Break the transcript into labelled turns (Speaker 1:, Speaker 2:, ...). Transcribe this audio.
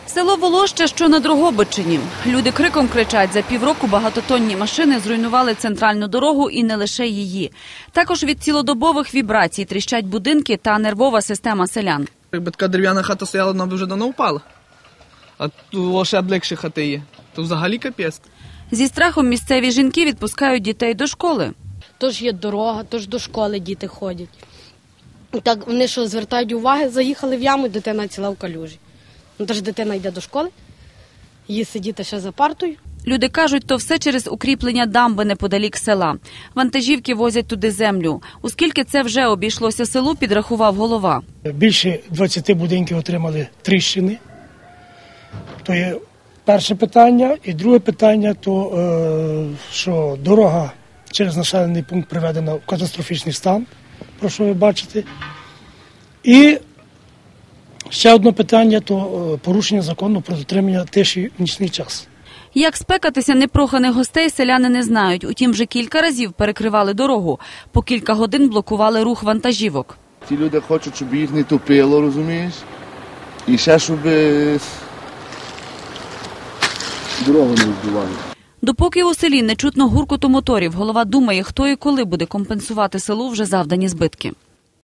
Speaker 1: Село Волоще, що на Дрогобичині. Люди криком кричать, за півроку багатотонні машини зруйнували центральну дорогу і не лише її. Також від цілодобових вібрацій тріщать будинки та нервова система селян.
Speaker 2: Якби така дерев'яна хата стояла, вона б вже давно впала. А тут ще ближче хати є. То взагалі капець.
Speaker 1: Зі страхом місцеві жінки відпускають дітей до школи.
Speaker 3: Тож є дорога, тож до школи діти ходять. Так вони що, звертають увагу, заїхали в яму, дитина ціла в калюжі. Тож дитина йде до школи, їй сидіти ще за партою.
Speaker 1: Люди кажуть, то все через укріплення дамби неподалік села. Вантажівки возять туди землю. Оскільки це вже обійшлося селу, підрахував голова.
Speaker 4: Більше 20 будинків отримали тріщини. То є перше питання. І друге питання, то що дорога через населений пункт приведена в катастрофічний стан, про що ви бачите. І ще одне питання, то порушення закону про дотримання тиші в нічний час.
Speaker 1: Як спекатися непроханих гостей, селяни не знають. Утім, вже кілька разів перекривали дорогу. По кілька годин блокували рух вантажівок.
Speaker 5: Ті люди хочуть, щоб їх не топило, розумієш? І ще, щоб дорогу не збивали.
Speaker 1: Допоки у селі не чутно гуркоту моторів, голова думає, хто і коли буде компенсувати селу вже завдані збитки.